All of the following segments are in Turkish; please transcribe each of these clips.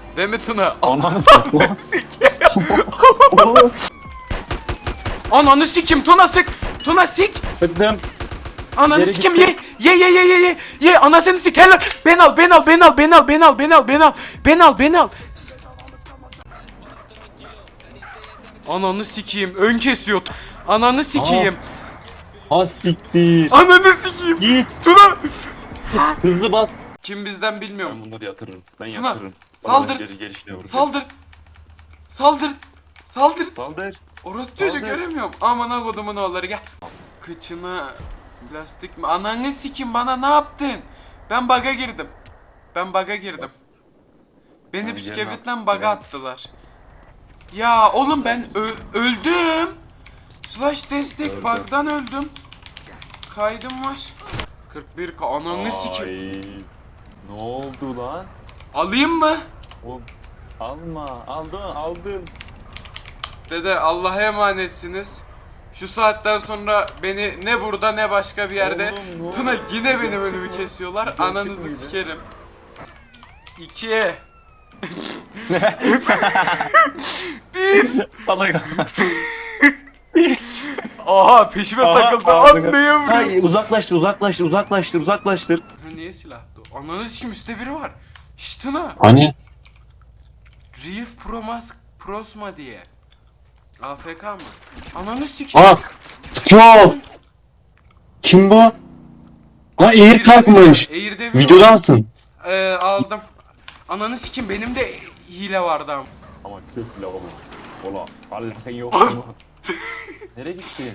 Değil mi Tuna? Ananı Ananı sikim Tuna sık. Tuna sik. Sıktım. Ananı Geri sikim gitti. ye anasını sik helal. Ben al. Ananı sikeyim ön kesiyor. Ananı sikeyim. Ha siktir. Ananı sikeyim. Git. Tuna. Hızlı bas. Kim bizden bilmiyorum. Ben bunları yatırırım. Ben Tuna, yatırırım. saldır. Gelişine vuracağım. Saldır. Saldır. Orası çocuğu Saldır. göremiyorum. Aman kodumun oğulları gel. Kıçına plastik mi? Ananı sikim bana ne yaptın? Ben bug'a girdim. Beni Hadi bisküvitten gelin bug'a artık, attılar. Ya oğlum ben öldüm. Slash destek Öldüm. bug'dan öldüm. Kaydım var. 41 ananı sikim. Ay, ne oldu lan? Alayım mı? Oğlum alma. Aldın. Dede Allah'a emanetsiniz. Şu saatten sonra beni ne burada ne başka bir yerde Oğlum, ne Tuna oldu? yine benim Gerçek önümü mi? kesiyorlar. Gerçek Ananızı miydi? sikerim. 2 Salak. Aha peşime takıldı. Anlayamıyorum. Hayır, uzaklaştır. Ha, niye silahtı o? Ananı sikim üstte biri var. Şşş Tuna. Hani? Reef Prosma diye. AFK mı? Ananı sikim. Aa! Sıkıyor! Kim bu? Lan eğir kalkmış. Eğirde bir Videodansın. aldım. Ananı sikim benim de hile vardı ama. Ama çok lavabo. Ola. Allah'ın yok mu? Nereye gittin?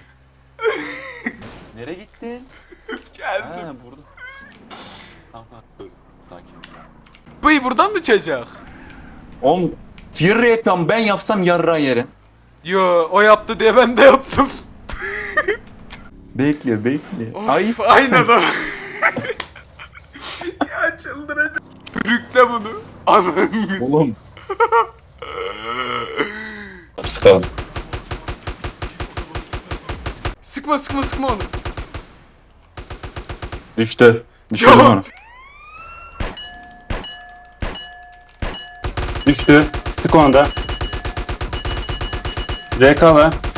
Geldim. Ha burada. Tamam dur. Sakin. Bıy buradan mı çıkacak? Oğlum Fear yapıyorum, ben yapsam yarrağı yerim. Yo o yaptı diye ben de yaptım. Bekle. Of, aynı adam. Ya çıldıracağım. Bürükle bunu. Ananı. Oğlum. Sıkalım. Sıkma onu. Düştü. Düştü Yo. onu. Düştü. Sık onu da. RK ver.